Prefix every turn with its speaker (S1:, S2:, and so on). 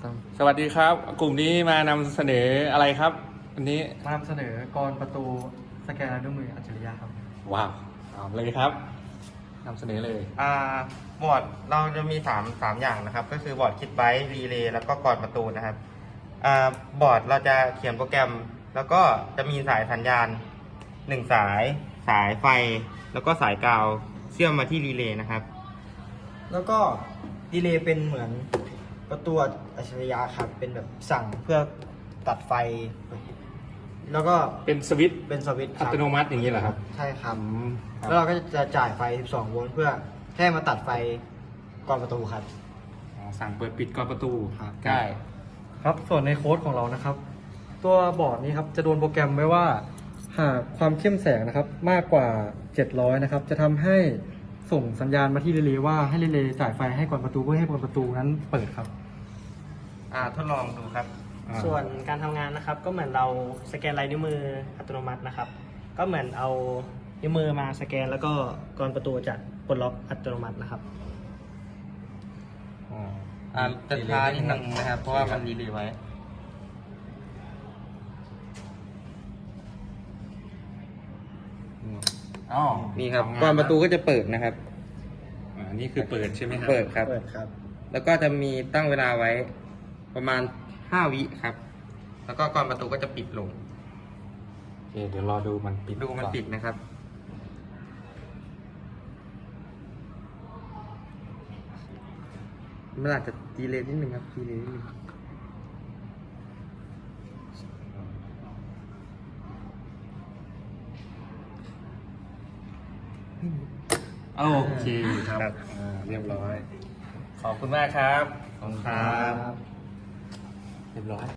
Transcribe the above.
S1: สวัสดีครับ กลุ่มนี้มานำเสนออะไรครับอันนี้
S2: มานำเสนอกรประตูสแกนลายนิ้วมืออัจฉริยะครับ
S1: ว้าวเอาเลยครับนำเสนอเลย
S3: บอร์ดเราจะมี3อย่างนะครับ ก็คือบอร์ดคิดไบต์รีเลย์แล้วก็กรประตูนะครับบอร์ดเราจะเขียนโปรแกรม แล้วก็จะมีสายสัญญาณ1สายไฟ แล้วก็สายกาวเชื่อมมาที่รีเลย์นะครับ
S4: แล้วก็ดีเลย์เป็นเหมือนประตูอัจฉริยะครับเป็นแบบสั่งเพื่อตัดไฟ แล้วก็
S1: เป็นสวิตช์
S4: เป็นสวิตช์ค
S1: อั
S4: รับ
S1: ตโนมัติอย่างนี้เหรอครับ
S4: ใช่ครับ
S1: ครับ
S4: แล้วเราก็จะจ่ายไฟ 12 โวลต์เพื่อแค่มาตัดไฟก่อนประตูครับ
S1: อ๋อสั่งเปิดปิดกรอนประตู
S4: ครับ
S1: ได้
S2: ครับส่วนในโค้ดของเรานะครับ ตัวบอร์ดนี้ครับจะโดนโปรแกรมไว้ว่าหากความเข้มแสงนะครับมากกว่า 700นะครับจะทำให้ส่งสัญญาณมาที่รีเลย์ว่าให้รีเลย์จ่ายไฟให้ก่อนประตูเพื่อให้ก่อนประตูนั้นเปิดครับ
S3: ทดลองดูครับ
S5: ส่วนการทำงานนะครับก็เหมือนเราสแกนลายนิ้วมืออัตโนมัตินะครับ ก็เหมือนเอานิ้วมือมาสแกนแล้วก็กรอนประตูจะปลดล็อกอัตโนมัตินะครับ
S3: จะช้านิดนึงนะครับ เพราะว่ามันรีเลย์ไว้
S1: อ๋อ
S3: นี่ครับ
S1: ทำงาน
S3: กรอนประตูก็จะเปิดนะครับ
S1: อันนี้คือเปิดใช่ไหมครับ
S3: เปิดครับ
S4: เปิดครับ
S3: แล้วก็จะมีตั้งเวลาไว้ประมาณ5 วิครับ แล้วก็กรอนประตูก็จะปิดลง
S1: โอเคเดี๋ยวรอดูมันปิด
S3: ดูมัน
S1: ก่อ
S3: ปิดนะครับ มันอาจจะดีเลย์นิดนึงครับดีเลย์นิดนึง
S1: โอเคครับเรียบร้อย ขอบคุณมากครับ
S3: ขอบคุณครับ
S1: เรียบร้อย